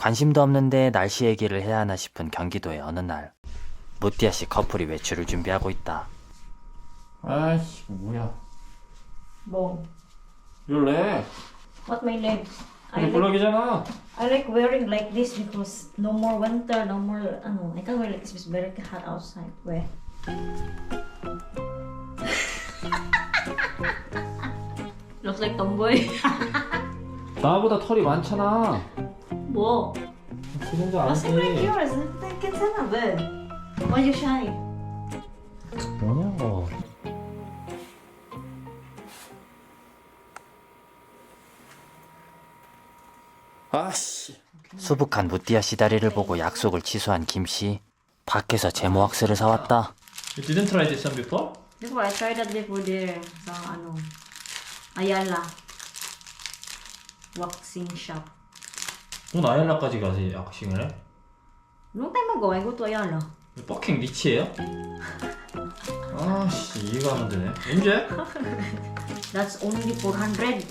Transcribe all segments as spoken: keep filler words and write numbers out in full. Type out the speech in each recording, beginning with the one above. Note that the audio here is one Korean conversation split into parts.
관심도 없는데 날씨 얘기를 해야 하나 싶은 경기도의 어느 날, 무띠아 씨 커플이 외출을 준비하고 있다. 아이씨 뭐야? 뭐? Your leg. What my legs? I 이게 like, 블럭이잖아. I like wearing like this because no more winter, no more ano. I can't wear like this because it's very hot outside. 왜? Looks like tomboy. 나보다 털이 많잖아. 뭐? 그 정도 Mas like 아니지. yours. 괜찮아 왜? Why you shy? 뭐냐고. 아씨. 수북한 무띠아 씨 다리를 보고 약속을 취소한 김 씨. 밖에서 제모 왁스를 사왔다. You didn't try this one before? Before I tried that before there sa ano Ayala waxing shop. 넌 아얄라까지 가서 약싱을 해? Long time ago, I go to Ayala. 버킹 리치예요? 아씨 이해가 안 되네. 언제? That's only four hundred.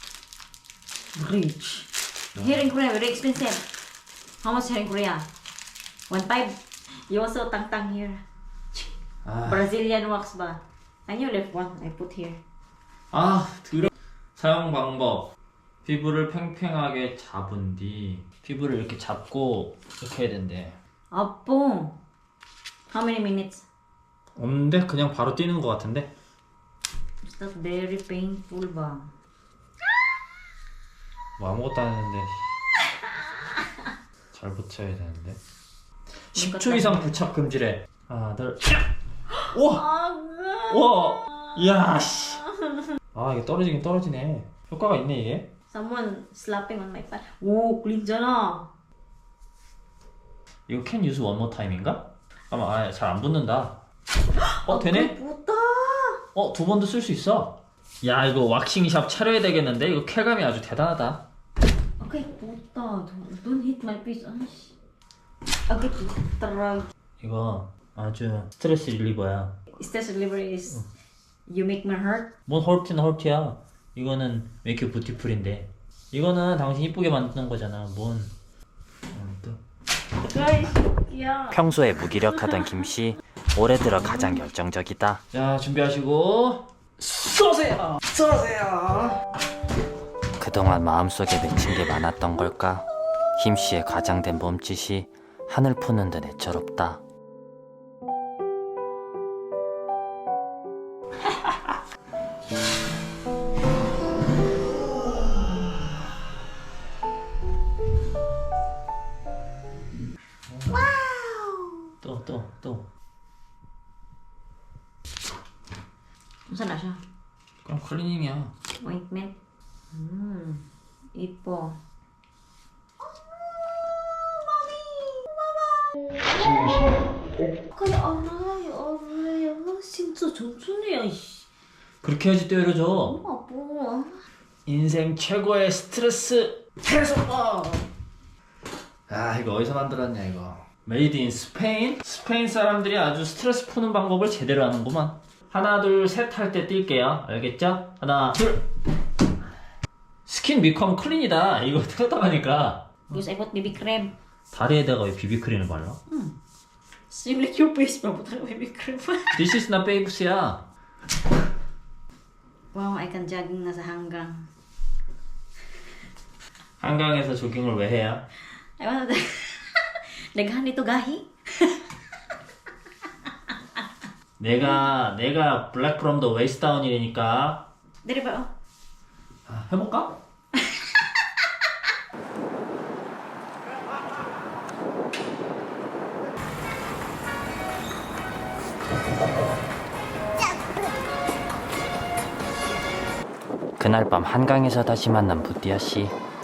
Rich. Here in Korea, very expensive. How much here in Korea? one five. You also tang tang here. 아, Brazilian wax ba? And you left one. I put here. 아 들어. 사용 방법. 피부를 팽팽하게 잡은 뒤 피부를 이렇게 잡고 이렇게 해야 된대. Apo. How many minutes? 없는데 그냥 바로 뛰는 것 같은데? Is that very painful ba? 뭐 아무것도 안 했는데 잘 붙여야 되는데. 십 초 이상 부착 금지래. 하나 둘. 우와! 우와! 이야 씨. 아 이게 떨어지긴 떨어지네. 효과가 있네 이게. Someone slapping on my butt. 오, clean잖아. 이거 can use one more time인가? 아마 아, 잘 안 붙는다. 어 되네? puta. 어 두 번도 쓸 수 있어. 야 이거 왁싱샵 차려야 되겠는데? 이거 쾌감이 아주 대단하다. Okay, puta. Don't, don't hit my face. Aish. Okay, puta. 이거 아주 스트레스 릴리버야. Stress reliever is you make me hurt. 뭔 헐트는 헐트야. 이거는 make you beautiful인데 이거는 당신 이쁘게 만드는 거잖아. 뭔 어, 또. Guys, yeah. 평소에 무기력하던 김 씨, 올해 들어 가장 열정적이다. 자 준비하시고 쏘세요. 쏘세요. 그동안 마음속에 맺힌 게 많았던 걸까? 김 씨의 과장된 몸짓이 하늘 푸는 듯 애처롭다. 또 또 또. Saan na siya? 그럼 클리닝이야. Ointment. Hmm. Ipo. Kaya aray, aray. Ah, 진짜 천천히야, 이씨. 그렇게 해야지 때려줘. 엄마, 뭐. 인생 최고의 스트레스 해소법. 아 이거 어디서 만들었냐 이거. 메이드 인 스페인? 스페인 사람들이 아주 스트레스 푸는 방법을 제대로 하는구만. 하나 둘 셋 할 때 뛸게요. 알겠죠? 하나 둘. 스킨 비컴 클린이다. 이거 뜯어가니까 Because I put baby cream. 다리에다가 왜 비비크림을 발라? Same like your face, bro. Put baby cream. This is not babes야. Wow, I can jogging na sa hanggang. 한강에서 조깅을 왜 해야? I want to... Daghan dito gahi. 내가 내가 블랙 프롬 더 웨이스트 다운이니까 Dili ba, oh? 아, 해볼까? 그날 밤 한강에서 다시 만난 무띠아 씨.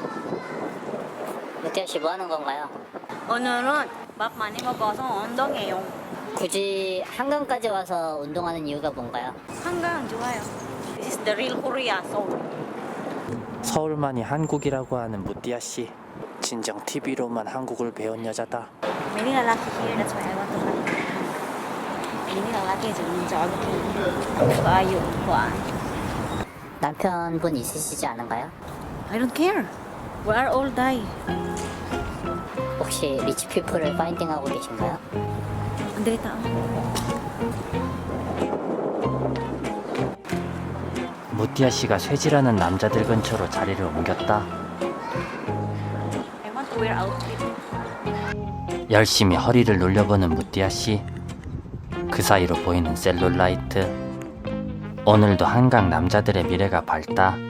무태현 씨 뭐 하는 건가요? 오늘은 밥 많이 먹어서 운동해요. 굳이 한강까지 와서 운동하는 이유가 뭔가요? 한강 좋아요. This is the real Korea, Seoul. 서울만이 한국이라고 하는 무띠아 씨. 진정 티비로만 한국을 배운 여자다. Many lalaki here, that's why I want to come. Many lalaki dyan jogging. Kayo, kuan. 남편분 있으시지 않은가요? I don't care. We are all die. 혹시 리치 피플을 파인딩하고 계신가요? 안 되겠다. 무띠아 씨가 쇠질하는 남자들 근처로 자리를 옮겼다. I want to wear outfit. 열심히 허리를 눌려보는 무띠아 씨. 그 사이로 보이는 셀룰라이트. 오늘도 한강 남자들의 미래가 밝다.